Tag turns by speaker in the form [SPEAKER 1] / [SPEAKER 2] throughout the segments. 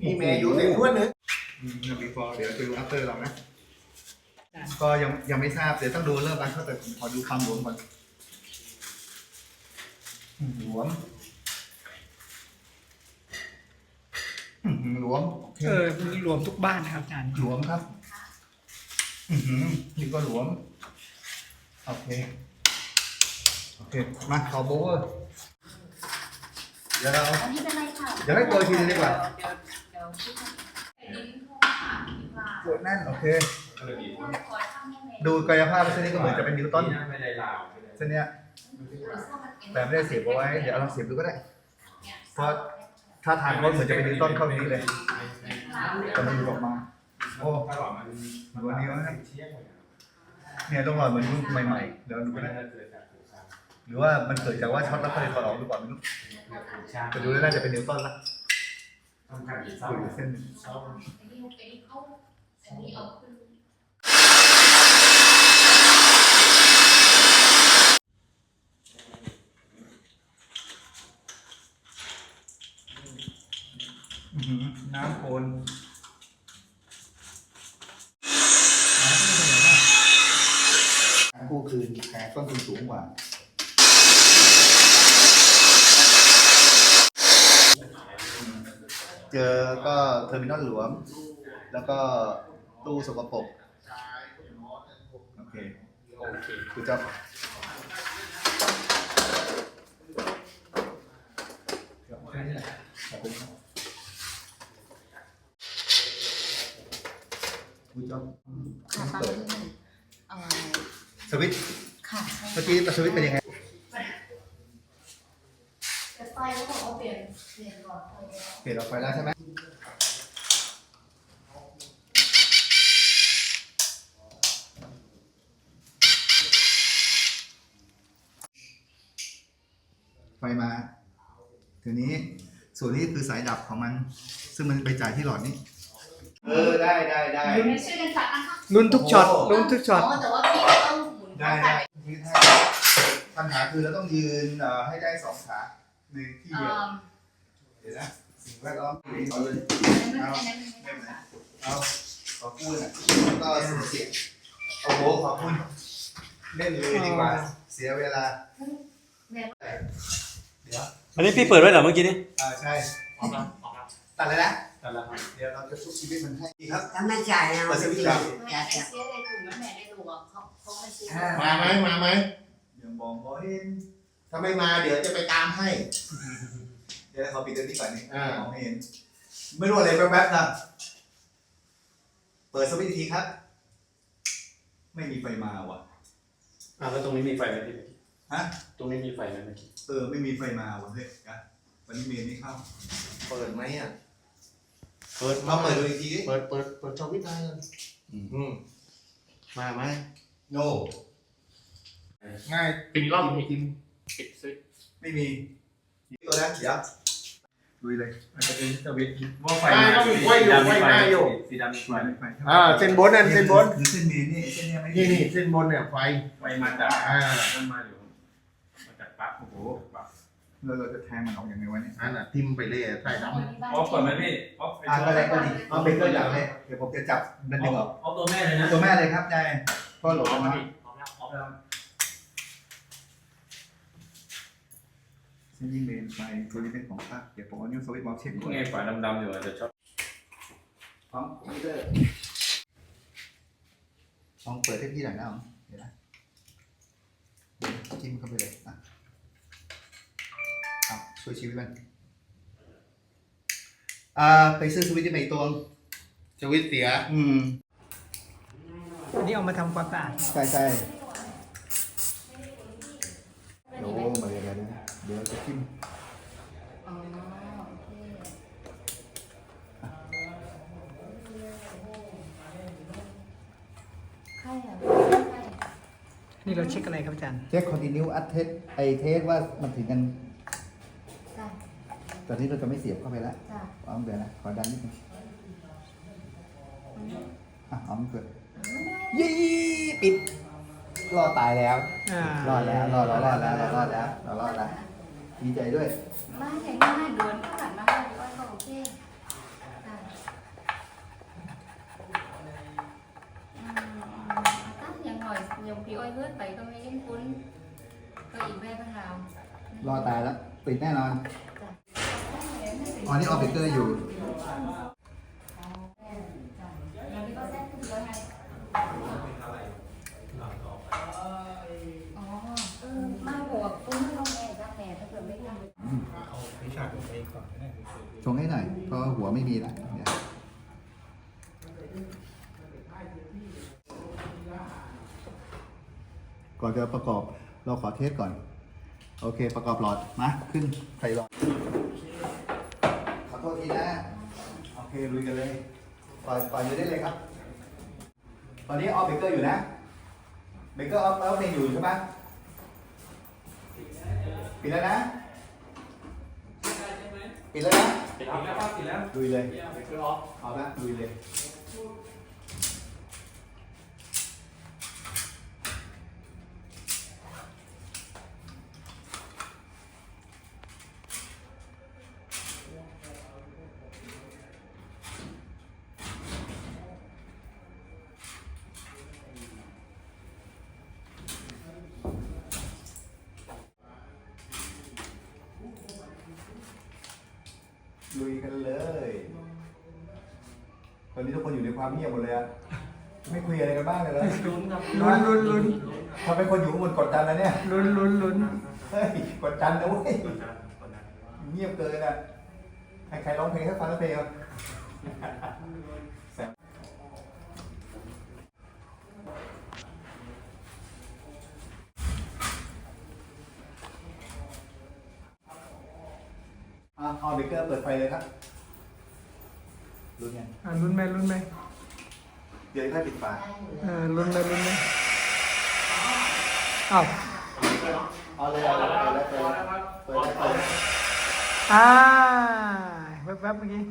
[SPEAKER 1] มีเมย์อยู่ในถ้วยนึง
[SPEAKER 2] before เดี๋ยวจะดู after เรานะก็ยังไม่ทราบเดี๋ยวต้องดูเริ่มรันเข้าแต่ขอดูความหลวมก่อนหลวมหลวม
[SPEAKER 3] มีรวมทุกบ้านนะครับอาจารย์
[SPEAKER 2] หลวมครับนี่ก็หลวมโอเคมาขอโบว์เดี๋ยวเราเดี๋ยวให้ตัวทีนึงดีกว่าปวดแน่นโอเคดูกายภาพเส้นนี้ก็เหมือนจะเป็นนิวตันเส้นเนี้ยแต่ไม่ได้เสียบเอาไว้เดี๋ยวเราเสียบดูก็ได้เพราะถ้าทางรถเหมือนจะเป็นนิวตันเข้านี้เลยแต่มันหลุดออกมาโอ้วันนี้วะเนี่ยต้องรอเหมือนรุ่นใหม่ๆเดี๋ยวดูก็ได้หรือว่ามันเกิดจากว่าช็อตแล้วก็เลยถอดออกหรือเปล่าไม่รู้แต่ดูแล้วน่าจะเป็นนิวตันละคุยเส้นน้ำโคนกู้คืนแผนต้นทุนสูงกว่าเจอก็เทอร์มินอลหลวมแล้วก็ตู้สกปรกโอเคคือจะสวิตช์เมื่อกี้สวิตช์เป็นยังไง
[SPEAKER 4] ไฟเขาบอกว่าเปลี่ยนหลอดไฟ
[SPEAKER 2] เปลี่ยนหลอดไฟแล้วใช่ไหมไฟมาทีนี้ส่วนนี้คือสายดับของมันซึ่งมันไปจ่ายที่หลอดนี้ได้
[SPEAKER 4] ช่วยกันจัดนะคะ
[SPEAKER 3] ลุ้นทุกช็อต
[SPEAKER 4] แต่ว่าพี่ต้องหมุน
[SPEAKER 2] ได้ปัญหาคือเราต้องยืนให้ได้2 ขาในที่เดียวเดี๋ยวนะสิ่งแวดล้อมเอาเลยเอาขอพูดแล้วก็เสียงโอ้โหขอบคุณเล่นเลยดีกว่าเสียเวลาเดี๋ยว
[SPEAKER 5] อันนี้พี่เปิดไว้เหรอเมื่อกี้นี้
[SPEAKER 2] ใช่ตัดเลยนะเดี๋ยวเราจะชุบชีวิตมันให้ดีครับ
[SPEAKER 6] ถ้าไม่จ่ายนะ
[SPEAKER 2] เปิดสวิตช์ครับ
[SPEAKER 4] เสียในถุงแม่ในถุงเขาไม่ซื้อ
[SPEAKER 1] มาไหม
[SPEAKER 2] ยังบอกเห็น
[SPEAKER 1] ถ้าไม่มาเดี๋ยวจะไปตามให้
[SPEAKER 2] เดี๋ยวเขาปิดตัวนี้ก่อนนี่มองไม่เห็นไม่รู้อะไรแป๊บๆนะเปิดสวิตช์ทีครับไม่มีไฟมาว่ะ
[SPEAKER 5] แล้วตรงนี้มีไฟไหมพี่
[SPEAKER 2] ฮะ
[SPEAKER 5] ตรงนี้มีไฟไหมเมื่อกี้
[SPEAKER 2] ไม่มีไฟมาว่ะเฮ้ยกันวันนี้เมย์ไม่เข้า
[SPEAKER 1] เปิดไหมอ่ะ
[SPEAKER 2] เปิดมาเปิดดูอีกที
[SPEAKER 1] เปิดจอวิทย์ได้เลยมาไหม
[SPEAKER 2] no
[SPEAKER 1] ง่ายปิดรอบปิดซิ
[SPEAKER 2] ไม่มีตัวนั้นเสียลุยเลย
[SPEAKER 5] มันจะเป็นสวิตช์ว่าไฟสีดำมีไฟ
[SPEAKER 1] เส้นบนนั่นเส้นบน
[SPEAKER 2] เส้นเมย์นี่เส้นนี้ไม่
[SPEAKER 1] นี่เส้นบนเนี่ยไฟ
[SPEAKER 5] มาจากนั่นมาอยู่มาจากปั๊บโอ้โหปั๊บ
[SPEAKER 2] เราจะแทงมันออกอย่างไรวะเนี่ย
[SPEAKER 1] ทิมไปเลยใต้ด
[SPEAKER 5] ำเปิดไหมพี่
[SPEAKER 2] ก็ได้ก็ดีเอาเป็นตัวอย่างเลยเดี๋ยวผมจะจับดันดึงออก
[SPEAKER 5] เอาตัวแม่เลยนะ
[SPEAKER 2] ตัวแม่เลยครับยายก็หลบมาเส้นยิงเมนไฟตัวนี้เป็นของภาคเดี๋ยวผมเอานิ้วสวิตช์บอลเช็คก่อน
[SPEAKER 5] ไงฝาดำๆอยู่อาจจะชอบ
[SPEAKER 2] พร้อมเด้อลองเปิดให้พี่หน่อยนะเดี๋ยวนะจิ้มเข้าไปเลยช่วยชีวิตมันไปซื้อสวิตช์ที่ไหนตัว
[SPEAKER 1] สวิตช์เสีย
[SPEAKER 3] อันนี้เอามาทำความสะอาด
[SPEAKER 2] ใช่โอ้มาเลยนะเดี๋ยวจะจิ้ม
[SPEAKER 3] นี่เราเช็คอะไรครับอาจารย์
[SPEAKER 2] เช็คคอนติเนียอัดเทสเทสว่ามันถึงกันตอนนี้เราจะไม่เสียบเข้าไปแล้วเอาเดี๋ยวนะขอดันนิดนึงเอาเกิดยี่ปิดรอตายแล้วรอดแล้วดีใจด้วย
[SPEAKER 4] ไม่ใช่ง่ายโดนก็ผ่านมาให้ก็โอเค tắt nhà ngồi nhiều khi oi hớt vậy có mấy cái cuốn cóอีกแบบบ้างเรา
[SPEAKER 2] รอตายแล้วปิดแน่นอนอ๋อนี่ออเบเกอร์อยู่
[SPEAKER 4] เราไม่ก็แซ่บขึ้นเลยไงอ๋อไม่หัวปุ้งต้องแม่จ้าแม่ถ้าเกิดไม่ทำ
[SPEAKER 1] เอาวิชาตัวเองก่อนก็ได้
[SPEAKER 2] ชงให้หน่อยเพราะหัวไม่มีแล้วเดี๋ยวก่อนจะประกอบเราขอเทสก่อน โอเคประกอบหลอดมาขึ้นใส่หลอดขอโทษทีนะโอเคลุยกันเลยปล่อยอยู่ได้เลยครับ ตอนนี้ออฟเบเกอร์อยู่นะเบเกอร์ออฟเพลงอยู่ใช่ไหมปิดแล้วนะปิดแล้วนะ
[SPEAKER 5] ปิดแล้วครับปิดแล้ว
[SPEAKER 2] ลุยเลย
[SPEAKER 5] คือออฟ
[SPEAKER 2] เอาละลุยเลยลุยกันเลยตอนนี้ทุกคนอยู่ในความเงียบหมดเลยอะไม่คุยอะไรกันบ้างเลยเหรอ
[SPEAKER 5] ลุ้นครับ
[SPEAKER 3] ลุ้น
[SPEAKER 2] ทำเป็นคนอยู่ข้างบนกดดันแล้วเนี่ย
[SPEAKER 3] ลุ้น
[SPEAKER 2] เฮ้ยกดดันนะเว้ย
[SPEAKER 5] กดดันกดดัน
[SPEAKER 2] เงียบเกินอ่ะให้ใครร้องเพลงให้ฟังแล้วเพลงครับแซมเอาเบเกอร์เปิดไฟเลยครับลุ้นยัง
[SPEAKER 3] ลุ้นไหม
[SPEAKER 2] เดี๋ยวค่อยปิดฝา
[SPEAKER 3] ลุ้นไหมอ้าว
[SPEAKER 2] เอาเลยเอาเลยเอาเลยเปิดเลยเปิดเลยเปิดเลย
[SPEAKER 3] แวบเมื่อกี้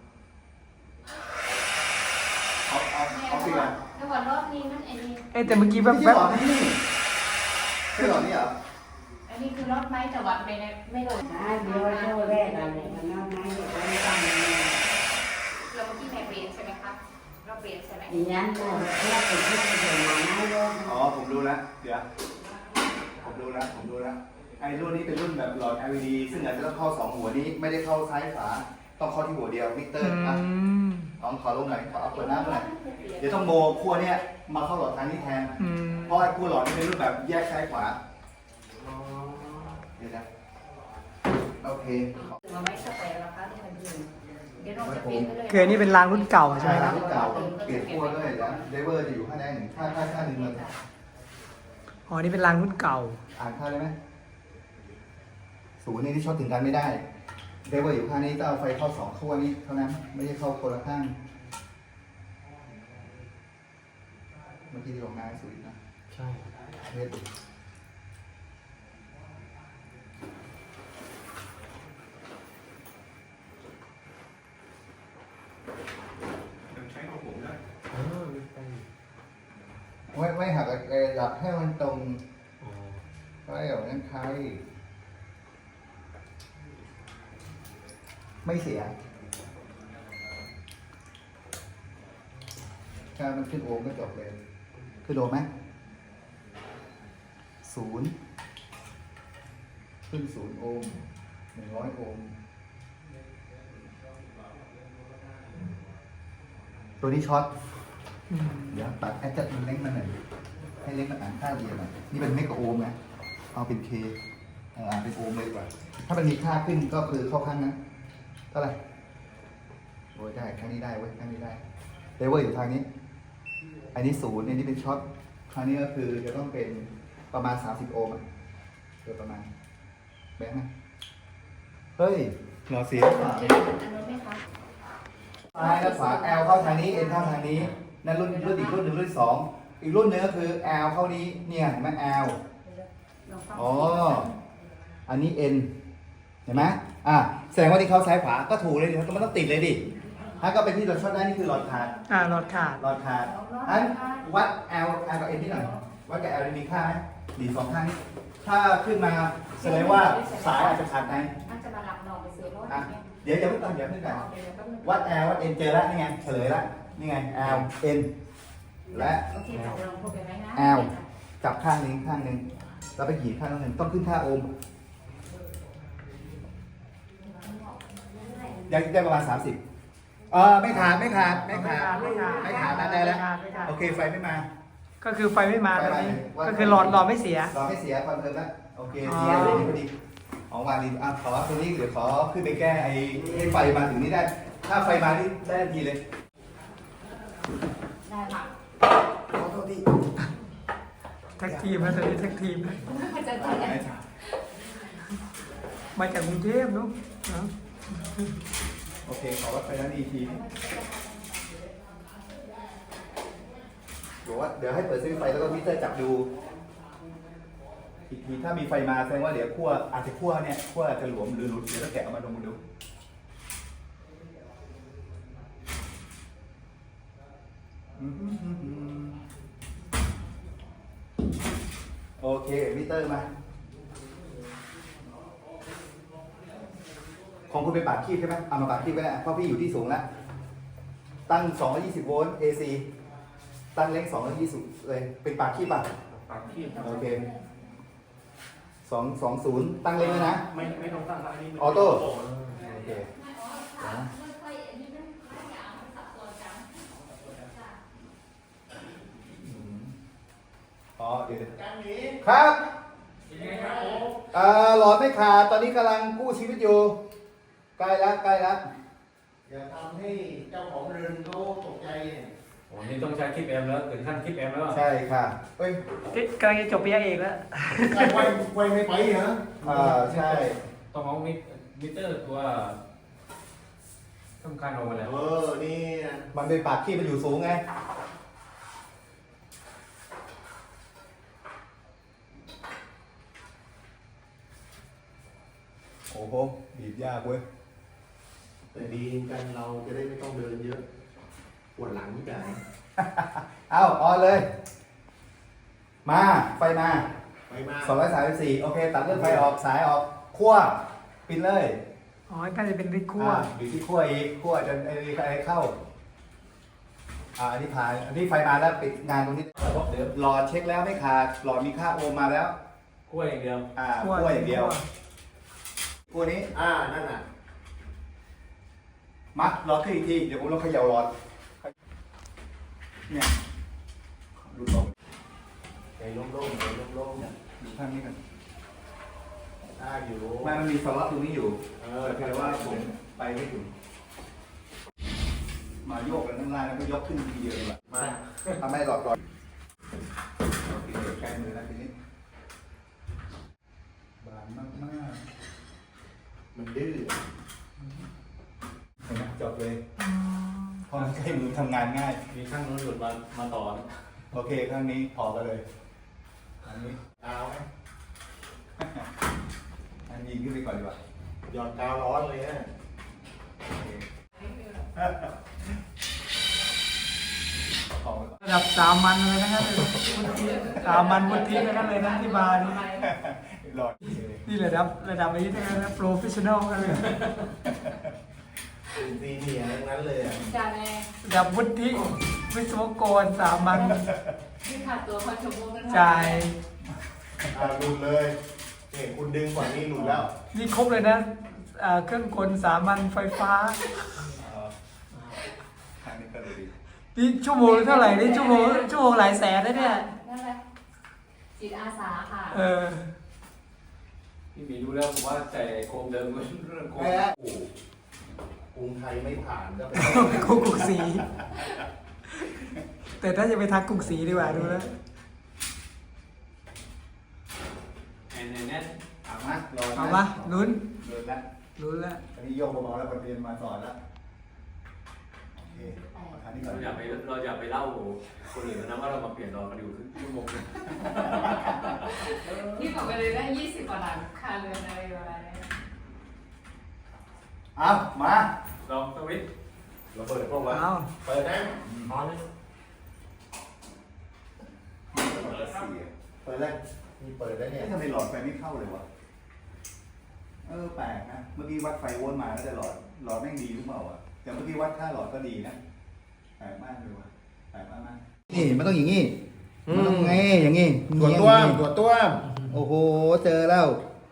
[SPEAKER 2] เอาปิดก่อน
[SPEAKER 4] แล้ววันรอบนี้มันไอ้นี่
[SPEAKER 3] แต่เมื่อกี้แว
[SPEAKER 2] ไม่
[SPEAKER 3] บ
[SPEAKER 2] ใช่หลอดนี่ใช่หลอดนี่เหรอ
[SPEAKER 4] อันนี้คือรอบไม้แต่ว่าไม่โดน
[SPEAKER 6] เดี๋ยวโชว์แรกอะไรมันนอกนั้นเดี๋ยวไม่ต้อง
[SPEAKER 4] เราเมื่อกี้แม่เปลี่ยนใช่ไหมครับเราเปลี่ยนใช่ไหม
[SPEAKER 6] อีนั้นก็เพื่อเป็นเพื่อเป็นมาไม่เยอะ
[SPEAKER 2] อ๋อผมรู้แล้วเดี๋ยวผมรู้แล้วไอ้รุ่นนี้เป็นรุ่นแบบหลอด LED ซึ่งอาจจะต้องเข้า2หัวนี้ไม่ได้เข้าซ้ายขวาต้องเข้าที่หัวเดียวมิเตอร์อ่ะขอลงหน่อยขอเอาเปิดน้ำหน่อยเดี๋ยวต้องโมขั้วเนี้ยมาเข้าหลอดทางนี้แทนเพราะไอ้ขั้วหลอดนี่เป็นรุ่นแบบแยกซ้ายขวาเดี๋ยวนะโอเค
[SPEAKER 4] เราไม่สเปรย์แล้วครับที่มันยืนเดี๋ยวเราจะเปลี่ยนไปเลย
[SPEAKER 3] คืออันนี้เป็นรางรุ่นเก่าใช่ไหมครับ
[SPEAKER 2] รุ่นเก่าเปลี่ยนขั้วด้วยแล้วเดเวอร์จะอยู่ข้างในหนึ่งค่าหนึ่งเลย
[SPEAKER 3] อ๋อนี่เป็นรางรุ่นเก่า
[SPEAKER 2] อ่านค่าได้ไหมศูนย์นี่ที่ช็อตถึงกันไม่ได้เดเวอร์อยู่ข้างนี้ต้องเอาไฟเข้า2ขั้วนี้เท่านั้นไม่ใช่เข้าคนละข้างเมื่อกี้ที่บอกง่ายสุดนะ
[SPEAKER 5] ใช่
[SPEAKER 2] เทส
[SPEAKER 5] ยังใช้ของผมได้
[SPEAKER 2] ไม่หักหลับให้มันตรงไม่แบบนั้นใครไม่เสียการมันขึ้นโอห์มก็จบเลยขึ้นโอห์มไหม0ขึ้น0โอห์ม100โอห์มตัวนี้ช็อตเดี๋ยวตัดแอดจัดมันเล็กมันหน่อยให้เล็กมันอ่านค่าเดียวหน่อยนี่เป็นเมกะโอห์มนะเอาเป็นเคอ่านเป็นโอห์มเลยดีกว่าถ้ามันมีค่าขึ้นก็คือเข้าข้างนั้นเท่าไหร่โอ้ยได้ข้างนี้ได้เว้ยข้างนี้ได้เลเวอร์อยู่ทางนี้อันนี้0อันนี้เป็นช็อตคราวนี้ก็คือจะต้องเป็นประมาณ30โอห์มโดยประมาณแบงค์นะเฮ้ยหล่อเสียป่ะ
[SPEAKER 4] อันนู้นไหมคะ
[SPEAKER 2] ซ้ายและขวา L เข้าทางนี้ N เข้าทางนี้นั่นรุ่นอีกรุ่นหนึ่งรุ่นที่2อีกรุ่นหนึงก็คือ L เข้านี้เนี่ยเห็นไหม L อ๋ออันนี้ N เห็นไหมแสดงว่าที่เข้าซ้ายขวาก็ถูกเลยดิมันต้องติดเลยดิถ้าก็เป็นที่เราช็อตได้นี่คือหลอดขาด
[SPEAKER 3] หลอดขาด
[SPEAKER 2] หลอดขาดอันวัด L กับ N ที่หน่อยวัดกับ L มีค่าไหมดีสองข้างนี้ถ้าขึ้นมาแสดงว่าสายอาจจะขาดใน
[SPEAKER 4] น่าจะมาหลับนอนไปซื้อรถ
[SPEAKER 2] อ่ะเดี๋ยวเพิ่งตั้งวัด L วัด N เจอแล้วนี่ไงเฉลยแล้วนี่ไง L N และ
[SPEAKER 4] โอเคตกลงพูดไปไหมนะ
[SPEAKER 2] L จับข้างนึงแล้วไปหยีบข้างนึงต้องขึ้นค่าโอห์มยังได้ประมาณ30ไม่ขาดนั่นได้แล้วโอเคไฟไม่มา
[SPEAKER 3] ก็คือไฟไม่มาตอนนี้ก็คือหลอดไม่เสีย
[SPEAKER 2] รอไม่เสียคอนเฟิร์มแล้วโอเค
[SPEAKER 3] อ๋อ
[SPEAKER 2] เสียเลยพอดีของวางดีขอตัวนี้เดี๋ยวขอขึ้นไปแก้ให้ไฟมาถึงนี่ได้ถ้าไฟมานี่ได้ทันทีเลย
[SPEAKER 4] ได้ค่ะ
[SPEAKER 2] ขอโทษที
[SPEAKER 3] แท็กทีมนะตอนนี้แท็กทีมนะ
[SPEAKER 4] มันจะที่ไหน
[SPEAKER 3] มาจากกรุงเทพเนาะ
[SPEAKER 2] โอเคขอวัดไฟนั้นอีกทีบอกว่าเดี๋ยวให้เปิดสวิตช์ไฟแล้วก็มิเตอร์จับดูอีกทีถ้ามีไฟมาแสดงว่าเดี๋ยวขั้วอาจจะขั้วอาจจะหลวมหรือหลุดเดี๋ยวต้องแกะออกมาลงมาดูโอเคมิเตอร์มาของคุณเป็นปากคีบใช่ไหมเอามาปากคีบก็ได้เพราะพี่อยู่ที่สูงแล้วตั้ง220โวลต์ AC ตั้งเล็ก220เลยเป็นปากคีบป่ะ
[SPEAKER 5] ปากขี้
[SPEAKER 2] โอเค220ตั้งเล็กเลยนะ
[SPEAKER 5] ไม่ต้องตั้งอันนี้
[SPEAKER 2] ออโต้โอเคเดี๋ยวครับหลอดไม่ขาดตอนนี้กำลังกู้ชีวิตอยู่ใกล้แล้ว
[SPEAKER 1] อย่าทำให้เจ้าของเรือนเขาตกใจเนี่ย
[SPEAKER 5] โอ้นี่ต้องใช้คลิปแอมแล้วถึงขั้นคลิปแอมแล้ว
[SPEAKER 2] ใช่ค่ะเฮ้ย
[SPEAKER 3] กำลังจะจบปริญญาเอกแล้ว
[SPEAKER 1] ไวไม่ไปเหรอ
[SPEAKER 2] ใช่
[SPEAKER 5] ต้องเอามิเตอร์ตัวสำคัญออกมาแล้ว
[SPEAKER 1] นี่
[SPEAKER 2] มันเป็นปากขี้มันอยู่สูงไงโอ้โหบีบยากเว้ย
[SPEAKER 1] แต่ดีกันเราจะได้ไม่ต้องเดินเยอะปวดหลังนี่กัน
[SPEAKER 2] เอาออนเลย มาไฟมา
[SPEAKER 1] ไปมา
[SPEAKER 2] 234โอเคตัดเลือดไฟออกสายออกขั้วปิดเลย
[SPEAKER 3] อ๋อน่าจะเป็นริดคั่ว
[SPEAKER 2] อยู่ที่ขั้วอีกขั้วจนไอ้เข้าอันนี้ผ่านอันนี้ไฟมาแล้วปิดงานตรงนี้เดี๋ยวหลอดเช็คแล้วไม่ขาดหลอดมีค่าโอห์มมาแล้ว
[SPEAKER 5] กล้วยอย่างเดียว
[SPEAKER 2] ขั้วอย่างเดียวขั้วนี้
[SPEAKER 1] นั่นน่ะ
[SPEAKER 2] มัดหลอดขึ้นอีกทีเดี๋ยวผมลองเขย่าหลอดเนี่ยดูตรง
[SPEAKER 1] ใจโล่งๆใจโล่ง
[SPEAKER 2] ดูข้างนี้กัน
[SPEAKER 1] ๆอยู่
[SPEAKER 2] มันมีสล็อตตรงนี้อยู่
[SPEAKER 1] แต่
[SPEAKER 2] แต่ว่าผมไปไม่ถึงมาโยกกันทั้งล่างแล้วก็ยกขึ้นทีเดียวเลย
[SPEAKER 1] มา
[SPEAKER 2] ทำให้หลอดโอเคใกล้มือแล้วทีนี้บานมาก
[SPEAKER 1] มันดื้อ
[SPEAKER 2] ๆเห็นไหมจบเลยเพราะมันใกล้มือทำงานง่าย
[SPEAKER 5] มีข้างนู้นหลุดมาต่อนะ
[SPEAKER 2] โอเคข้างนี้พอกันเลยอันนี้
[SPEAKER 1] กาวไหม
[SPEAKER 2] อันยิงขึ้นไปก่อนดีกว่า
[SPEAKER 1] หยอดกาวร้อนเลยนะ
[SPEAKER 2] ของ
[SPEAKER 3] ระดับสามัญเลยนะครับสามัญวุฒินะครับเลยนะที่มานี่
[SPEAKER 2] หลอด
[SPEAKER 3] นี่ระดับนี้นะครับโปรเฟชชั่นอลกันเลย
[SPEAKER 1] ซีเนียร์ทั้งนั้นเลยอ่ะ
[SPEAKER 4] จานแม่
[SPEAKER 3] ระดับวุฒิวิศวกรสามัญ
[SPEAKER 4] ที่ขาดตัวคอนโทรลนั่น
[SPEAKER 3] จ่าย
[SPEAKER 1] หลุดเลยเนี่ยคุณดึงกว่านี้หลุดแล้ว
[SPEAKER 3] นี่ครบเลยนะเครื่องกลสามัญไฟฟ้า
[SPEAKER 2] ทางนี้ก็เลยดี
[SPEAKER 3] นี่ชั่วโมงเท่าไหร่นี่ชั่วโมงหลายแสนนะเนี่ย
[SPEAKER 4] นั่นแหละจิตอาสาค่ะ
[SPEAKER 5] พี่หมีดูแล้วผมว่าใจโคมเดิมเรื่องโคม
[SPEAKER 1] แพ้กรุงไทยไม่ผ่านก็เป็น
[SPEAKER 3] กรุงศรีแต่ถ้าจะไปทักกรุงศรีดีกว่าดูแล้ว
[SPEAKER 5] แอนแน่น
[SPEAKER 2] เอามารอ
[SPEAKER 3] เอามาลุ้น
[SPEAKER 2] เดินแล้ว
[SPEAKER 3] ลุ้นแล้ว
[SPEAKER 2] อันนี้โยกเบาๆแล้วคนเรียนมาสอนแล้วโอเคอันนี้ก่อน
[SPEAKER 5] เราอย่าไปเล่าคนอื่นนะว่าเรามาเปลี่ยนรอกันอยู่ครึ่งชั่วโมง
[SPEAKER 4] ที่บอกไปเลยได้20กว่าหลังคาเรือนอะไรประมาณนี้
[SPEAKER 2] เอามา
[SPEAKER 5] ลองสวิต
[SPEAKER 1] เราเปิดพวกว่า
[SPEAKER 3] เอา
[SPEAKER 1] เปิดนะออนเลย เปิดเลยมีเปิดได้เนี่ย
[SPEAKER 2] ทำไมหลอดไฟไม่เข้าเลยวะแปลกนะเมื่อกี้วัดไฟโวลต์มาแล้วแต่หลอดแม่งดีหรือเปล่าอ่ะแต่เมื่อกี้วัดค่าหลอดก็ดีนะแปลกมากเลยว่ะแปลกมากนี่มันต้องอย่างงี้มันต้องไงอย่างงี้
[SPEAKER 5] ตัวต้วมตัวต้วม
[SPEAKER 2] โอ้โหเจอแล้ว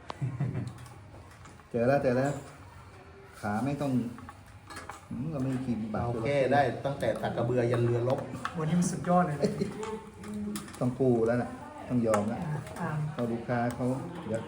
[SPEAKER 2] เจอแล้วขาไม่ต้องเราไม่กินบา
[SPEAKER 5] โอเคได้ตั้งแต่ตักกระเบือยันเรือรบ
[SPEAKER 3] วันนี้มันสุดยอดเลยนะ
[SPEAKER 2] ต้องปูแล้วนะต้องยอมแล้ว
[SPEAKER 3] อ่า
[SPEAKER 2] เขาลูกค้าเขาเดี๋ยว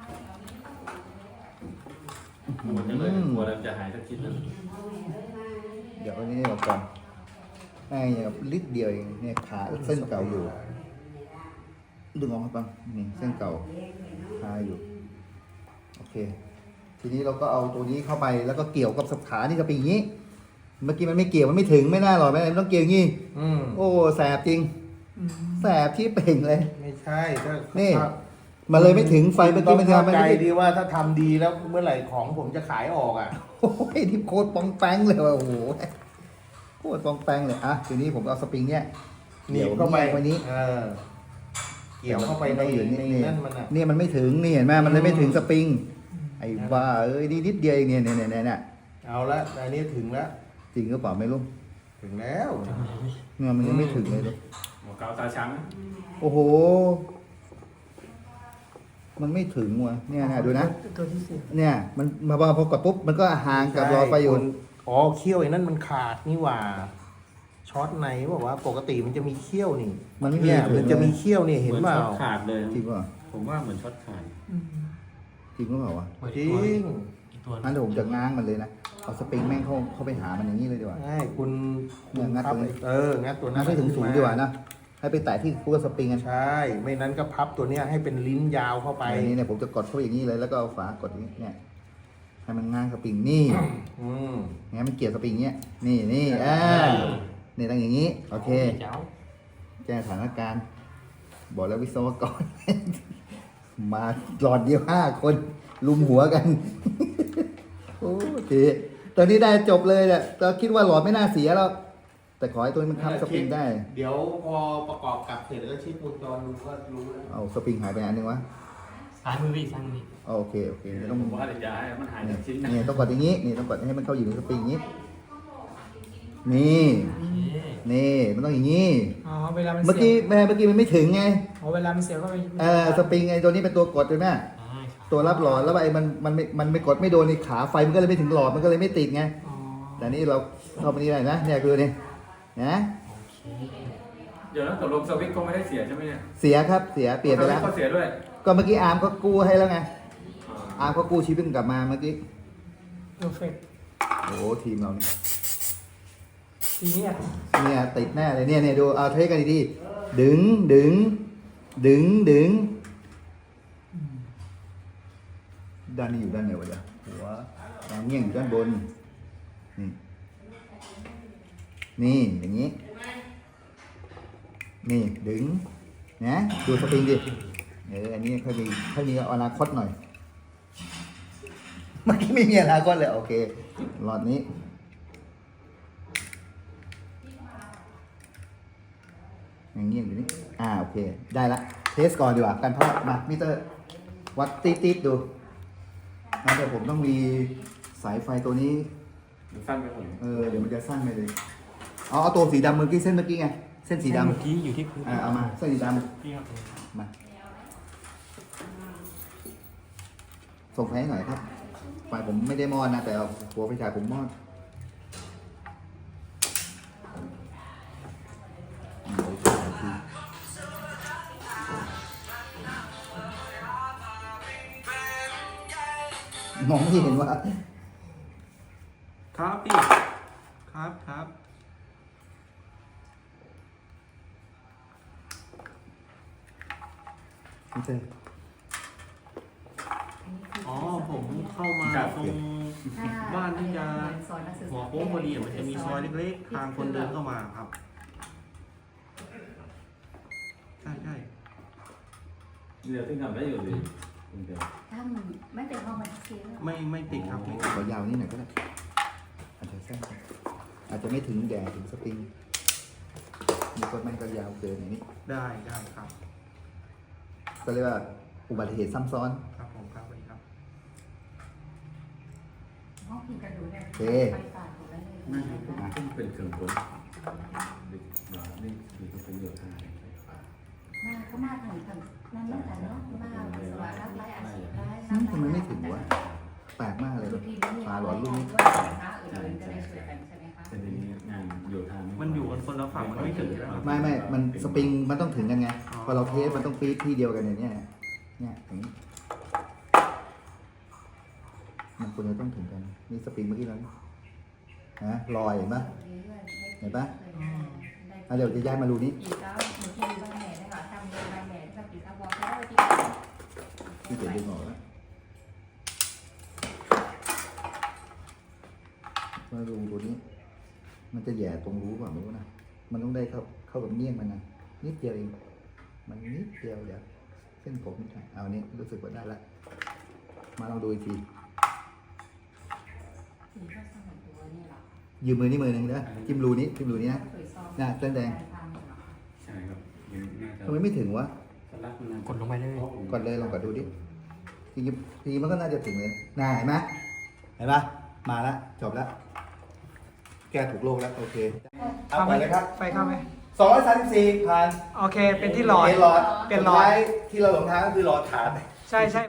[SPEAKER 5] หมดเลยกลัวเราจะหายสักทีนึง
[SPEAKER 2] เดี๋ยวอันนี้ออกก่อนไอ้เนี่ยลิตรเดียวเองเนี่ยขาเส้นเก่าอยู่ดึงออกมาปังนี่เส้นเก่าคาอยู่โอเค ทีนี้เราก็เอาตัวนี้เข้าไปแล้วก็เกี่ยวกับสับขานี่จะเป็นอย่างนี้ เมื่อกี้มันไม่เกี่ยวมันไม่ถึงไม่น่าหรอกมันต้องเกี่ยวอย่างนี้โอ้แสบจริง
[SPEAKER 3] อืม
[SPEAKER 2] แสบที่เป่งเลย
[SPEAKER 5] ไม่ใช่ก็
[SPEAKER 2] นี่ มันเลยไม่ถึงไฟเมื่อกี้มันทำ
[SPEAKER 5] ไม่
[SPEAKER 2] ไม่
[SPEAKER 5] ใจ
[SPEAKER 2] ได้
[SPEAKER 5] ดีว่าถ้าทำดีแล้วเมื่อไหร่ของผมจะขายออกอ่ะ
[SPEAKER 2] โอ้ยที่โคตรปองแป้งเลยว่ะโอ้โหโคตรปองแป้งเลยอ่ะทีนี้ผมเอาสปริงเนี่ย
[SPEAKER 5] หนีบเข้าไป
[SPEAKER 2] วันนี้
[SPEAKER 5] เกี่ยวเข้าไปใน
[SPEAKER 2] อยู่นี่
[SPEAKER 5] นั่นมันอ่ะ
[SPEAKER 2] เนี่ยมันไม่ถึงนี่เห็นไหมมันเลยไม่ถึงสปริงไอ้บ้าเอ้ยนิดเดียวเองเนี่ยเนี่ย
[SPEAKER 5] เอาละอันนี้ถึงแล้ว
[SPEAKER 2] จริงก็เปล่าไม่รู้
[SPEAKER 5] ถึงแล้ว
[SPEAKER 2] เนี่ยมันยังไม่ถึงเลย
[SPEAKER 5] หัวเกาตาช้าง
[SPEAKER 2] โอ้โห มันไม่ถึงว่ะเนี่ยนะดูนะ
[SPEAKER 3] ตัวที่สี่
[SPEAKER 2] เนี่ยมันมาพอกดปุ๊บมันก็ห่างกับรอไฟอยู่
[SPEAKER 5] อ๋อเขี้ยวไอ้นั่นมันขาดนี่หว่าช็อตในบอกว่าปกติมันจะมีเขี้ยวนี่
[SPEAKER 2] มันไม่
[SPEAKER 5] เนี่ย
[SPEAKER 2] ถึง
[SPEAKER 5] มันจะมีเขี้ยวนี่เห็นเปล่า
[SPEAKER 7] ขาดเลย
[SPEAKER 2] จริงป่ะ
[SPEAKER 7] ผมว่าเหมือนช็อตขาด
[SPEAKER 3] อืม
[SPEAKER 2] จริงก็เปล่าวะ
[SPEAKER 5] จริง
[SPEAKER 2] งั้นเดี๋ยวผมจะง้างมันเลยนะเอาสปริงแม่งเข้าไปหามันอย่างนี้เลยดีกว่า
[SPEAKER 5] ใช่คุณ
[SPEAKER 2] เนี่ยงัด
[SPEAKER 5] พับ
[SPEAKER 2] ตัวนี้
[SPEAKER 5] งัดตัว
[SPEAKER 2] งั้
[SPEAKER 5] นั้น น
[SPEAKER 2] ให้ถึงสูงดีกว่านะให้ไปแตะที่คู่กับสปริงกัน
[SPEAKER 5] ใช่ ไม่นั้นก็พับตัวเนี้ยให้เป็นลิ้นยาวเข้าไป
[SPEAKER 2] อันนี้เนี่ยผมจะกดเข้าไปอย่างนี้เลยแล้วก็เอาฝากดอย่างนี้เนี่ยให้มันง้างสปริงนี่
[SPEAKER 5] อืม
[SPEAKER 2] งั้นมันเกี่ยวสปริงเนี้ยนี่นี่นี่ต้องอย่างนี้โอเคแก้สถานการณ์บอกแล้ววิศวกร มาหลอดเดียว5 คนลุมหัวกัน โอ้ทีตอนนี้ได้จบเลยแหละเราคิดว่าหลอดไม่น่าเสียแล้วแต่ขอให้ตัวนี้มันค้ำสปริงได้
[SPEAKER 5] เดี๋ยวพอประกอบกลับเสร็จแล้วเช็ควงจรดูก็รู้แล้ว
[SPEAKER 2] เอาสปริงหายไปอันนึงวะ
[SPEAKER 7] ซ้ายมือพี่ซ้ายมือ
[SPEAKER 2] โอเคต้อง
[SPEAKER 7] ผมว่าจะให้มันหายจากชิ้นนะ
[SPEAKER 2] นี่ต้องกดอย่างนี้นี่ต้องกดให้มันเข้าอยู่ในสปริงอย่างนี้นี่นี่มันต้องอย่างนี้
[SPEAKER 3] อ๋อเวลามัน
[SPEAKER 2] เมื่อ
[SPEAKER 3] เสี
[SPEAKER 2] กี้
[SPEAKER 3] ย
[SPEAKER 2] เมื่อกี้มันไม่ถึงไง
[SPEAKER 3] อ๋อเวลามันเสียก็ไป
[SPEAKER 2] สปริงไอ้ตัวนี้เป็นตัวกดใช่ไหมตัวรับหลอดแล้วไอ้มันไม่กดไม่โดนในขาไฟมันก็เลยไม่ถึงหลอดมันก็เลยไม่ติดไง
[SPEAKER 3] อ๋อ
[SPEAKER 2] แต่นี่เราเข้ามานี่ได้นะเนี่ยคือนี่นะ
[SPEAKER 7] เดี๋ยวแล้วตกลงสวิตช์ก็ไม่ได้เสียใช่ไหมเนี่ย
[SPEAKER 2] เสียครับเสียเปลี่ยนไปแล้ว
[SPEAKER 7] สตช์ก็เสียด้วย
[SPEAKER 2] ก็เมื่อกี้อาร์มก็กู้ให้แล้วไงอาร์มก็กู้ชีวิตกลับมาเมื่อกี้
[SPEAKER 3] เพอร์เฟกต์
[SPEAKER 2] โอ้โหทีมเราเนี่ย
[SPEAKER 3] ทีนี้อ่ะ
[SPEAKER 2] เนี่ยติดแน่เลยเนี่ยดูเอาเทสกันดีๆดึงด้านนี้อยู่ด้านไหนวะเดี๋ยวหัวดางเงี้ยงอยู่ด้านบนนี่อย่างนี้นี่ดึงนะดูสปริงดิอันนี้ค่อยมีอนาคตหน่อยเมื่อกี้ไม่มีอนาคตเลยโอเคหลอดนี้อย่างนี้อยู่นี่โอเคได้ละเทสก่อนดีกว่ากันเพราะมามิเตอร์วัดติดดูงั้นเดี๋ยวผมต้องมีสายไฟตัวนี้
[SPEAKER 7] มันสั้นไปหมด
[SPEAKER 2] เดี๋ยวมันจะสั้นไปเลยเอาตัวสีดำเมื่อกี้เส้นเมื่อกี้ไงเส้นสีดำ
[SPEAKER 7] เมื่อกี้อยู่ที่พื้น
[SPEAKER 2] เอามาเส้นสีด
[SPEAKER 7] พี่ครับ
[SPEAKER 2] ำมาส่งไฟให้หน่อยครับไฟผมไม่ได้มอดนะแต่เอาหัวไฟฉายผมมอดมองไม่เห็นว่า
[SPEAKER 5] ครับพี่ครับ
[SPEAKER 2] ไม่ใช่
[SPEAKER 5] อ๋อผมเข้ามาตรงบ้านที่จะหัวโค้งพอดีมันจะมีซอยเล็กๆทางคนเดินเข้ามาครับใช่
[SPEAKER 7] เดี๋ยวที่ทำได้อยู่ดีเดี๋ยว
[SPEAKER 4] ถ้ามันไม่เป็นห้องมันเสีย
[SPEAKER 5] ไม่ติดครับไม่
[SPEAKER 2] ขอยาวนี่หน่อยก็ได้อาจจะสั้นไปอาจจะไม่ถึงแดดถึงสปริงมีก็ไม่ก็ยาวเกินอย่างนี้
[SPEAKER 5] ได้ครับ
[SPEAKER 2] ก็เรียกว่าอุบัติเหตุซ้ำซ้อน
[SPEAKER 5] ครับผมครับสวัสดีครับ
[SPEAKER 4] ห้องพิมพ์กระดูกเนี่ย
[SPEAKER 2] โอเค
[SPEAKER 4] ไปฝากของได้เลย
[SPEAKER 7] นั่นต้องเป็นเครื่องกลนี่มีต้องเป็นโยธา
[SPEAKER 4] มาก็มาถึงนั่นแหละเนาะมาสวัสดิ์รับไล่อาชีพไล่
[SPEAKER 2] ทำไมไม่ถึงวะแปลกมากเลย
[SPEAKER 4] ทุกทีนี่
[SPEAKER 2] ปลาหลอนลูกนี้
[SPEAKER 4] ว่าสินค้าอื่นๆจะได้ช่วยกันใช่ไหมคะ
[SPEAKER 7] แต่ทีนี้งานโยธา
[SPEAKER 5] มั
[SPEAKER 7] มัน
[SPEAKER 5] อยู่กันคนละฝั่งมันไม่ถึงแล้ว
[SPEAKER 2] ไม่มันสปริงมันต้องถึงกันไงพอเราเทสมันต้องปี๊ดที่เดียวกันเนี่ยอย่างนี้มันควรจะต้องถึงกันนี่สปริงเมื่อกี้แล้วนะลอยเห็นปะเห็นปะเดี๋ยวจะย้ายมารูนี้
[SPEAKER 4] ปีเก้าหนูที่ดูบ้านแม่ได้ค่ะจำดูบ้านแม่ที่ปีเก้าบอกได้ที่
[SPEAKER 2] ที่เขียนดึงออกแล้วมารูตัวนี้ มันจะแย่ตรงรูเปล่าไม่รู้นะมันต้องได้เข้ากับเมี่ยงมันนะนิดเดียวเองมันนิดเดียวเดี๋ยวเส้นผมนี่เอาอันนี้รู้สึกว่าได้แล้วมาลองดูอีกที
[SPEAKER 4] ปีก็สมัยตัวนี่หรอ
[SPEAKER 2] ยืมมือนี่มือหนึ่งนะจิ้มรูนี้นะ น่ะเส้นแดง
[SPEAKER 7] ใช่ครับน่าจะ
[SPEAKER 2] ทำไมไม่ถึงวะ
[SPEAKER 3] กดลงไปเลย
[SPEAKER 2] กดเลยลองกดดูดิทีมันก็น่าจะถึงเลยน่าเห็นไหมเห็นปะมาแล้วจบแล้ว แก้ถูกโลกแล้วโอเคเอา
[SPEAKER 3] เข้าไห
[SPEAKER 2] ไป
[SPEAKER 3] ม
[SPEAKER 2] เลยครับ
[SPEAKER 3] ไฟเข้าไหม
[SPEAKER 2] 234ผ่าน
[SPEAKER 3] โอเค เป็นที่หลอด
[SPEAKER 2] หลอด
[SPEAKER 3] เป็นหลอด
[SPEAKER 2] สุท้ายที่เราหลงทางก็คือหลอดขาด
[SPEAKER 3] ใช่